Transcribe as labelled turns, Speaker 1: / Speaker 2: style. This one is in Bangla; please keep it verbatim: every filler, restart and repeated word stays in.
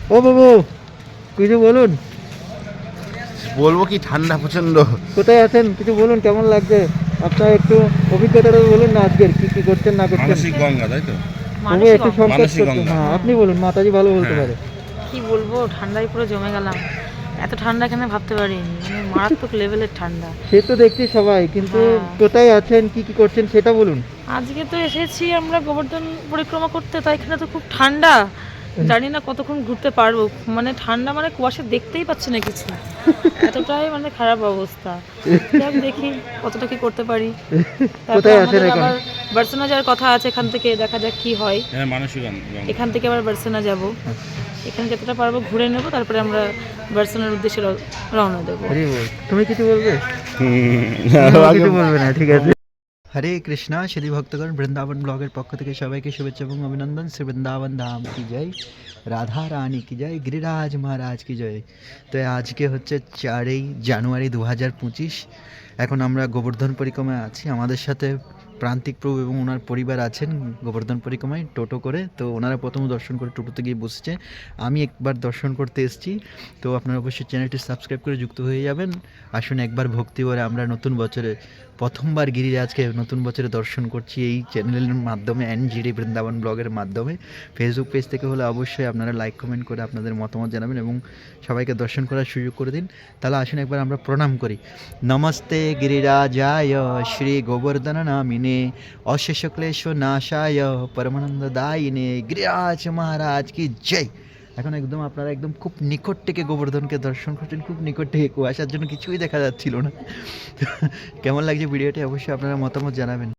Speaker 1: ও বাবু, কিছু বলুন।
Speaker 2: বলবো কি, ঠান্ডা প্রচন্ড।
Speaker 1: কোথায় আছেন কিছু বলুন, কেমন লাগছে আপনার একটু অভিজ্ঞতাটা বলুন না, আজকের কি কি করছেন না করছেন।
Speaker 2: মানসিক গঙ্গা, তাই তো?
Speaker 1: তবু
Speaker 3: মানসিক
Speaker 1: একটু
Speaker 3: অঙ্গ।
Speaker 1: সংকোচ
Speaker 2: মানসিক
Speaker 1: করছেন,
Speaker 2: গঙ্গা।
Speaker 1: হ্যাঁ
Speaker 3: হুম।
Speaker 1: আপনি বলুন, মাতাজি ভালো বলতে
Speaker 2: হ্যাঁ।
Speaker 1: পারে।
Speaker 3: কি বলবো, ঠান্ডায় পুরো জমে গেলাম। এত ঠান্ডা এখানে ভাবতে পারিনি, মানে মারাত্মক লেভেলের ঠান্ডা।
Speaker 1: সে তো দেখছি সবাই, কিন্তু
Speaker 3: হ্যাঁ।
Speaker 1: কোথায় আছেন কি কি করছেন সেটা বলুন।
Speaker 3: আজকে তো এসেছি আমরা গোবর্ধন পরিক্রমা করতে, তাই এখানে তো খুব ঠান্ডা। জানি না কতক্ষণ ঘুরতে পারবো, মানে ঠান্ডা, মানে কুয়াশা দেখতেই পাচ্ছি না কিছু, এতটাই মানে খারাপ অবস্থা। যাক দেখি কতটা কি করতে পারি। তারপরে
Speaker 1: কোথায় আছেন
Speaker 3: আমাদের
Speaker 1: এখন?
Speaker 3: আবার বার্সেনা যাওয়ার কথা আছে, এখান থেকে দেখা যাক কি হয়।
Speaker 2: হ্যাঁ, মানসিক গঙ্গা।
Speaker 3: এখান থেকে আবার বার্সেনা যাব, এখানে যতটা পারবো ঘুরে নেব, তারপরে আমরা বার্সেনার উদ্দেশ্যে র- রওনা দেবো।
Speaker 1: হরি বল, তুমি কিছু বলবে?
Speaker 2: হুম,
Speaker 1: না,
Speaker 2: আগে
Speaker 1: কিছু বলবে না, ঠিক আছে। হরে কৃষ্ণা, শ্রী ভক্তগণ, বৃন্দাবন ব্লগের পক্ষ থেকে সবাইকে শুভেচ্ছা এবং অভিনন্দন। শ্রী বৃন্দাবন ধাম কি জয়, রাধা রানী কি জয়, গিরিরাজ মহারাজ কি জয়। তো আজকে হচ্ছে চারই জানুয়ারি দু হাজার পঁচিশ। এখন আমরা গোবর্ধন পরিক্রমায় আছি, আমাদের সাথে প্রান্তিক প্রভু এবং ওনার পরিবার আছেন গোবর্ধন পরিক্রমায় টোটো করে। তো ওনারা প্রথম দর্শন করে টোটোতে গিয়ে বসছে, আমি একবার দর্শন করতে এসেছি। তো আপনারা অবশ্যই চ্যানেলটি সাবস্ক্রাইব করে যুক্ত হয়ে যাবেন। আসুন একবার ভক্তি করে আমরা নতুন বছরে প্রথমবার গিরিরাজকে নতুন বছরে দর্শন করছি এই চ্যানেলের মাধ্যমে, এনজিডি বৃন্দাবন ব্লগের মাধ্যমে। ফেসবুক পেজ থেকে হলে অবশ্যই আপনারা লাইক কমেন্ট করে আপনাদের মতামত জানাবেন এবং সবাইকে দর্শন করার সুযোগ করে দিন। তাহলে আসুন একবার আমরা প্রণাম করি। নমস্তে গিরিরাজায় শ্রী গোবর্ধন নামিনে অশেষ ক্লেশ নাশায় পরমানন্দ দায়িনে গিরিরাজ মহারাজ কি জয়। এখন একদম আপনারা একদম খুব নিকট থেকে গোবর্ধনকে দর্শন করছেন, খুব নিকট থেকে, কুয়াশার জন্য কিছুই দেখা যাচ্ছিল না। কেমন লাগছে ভিডিওটি অবশ্যই আপনারা মতামত জানাবেন।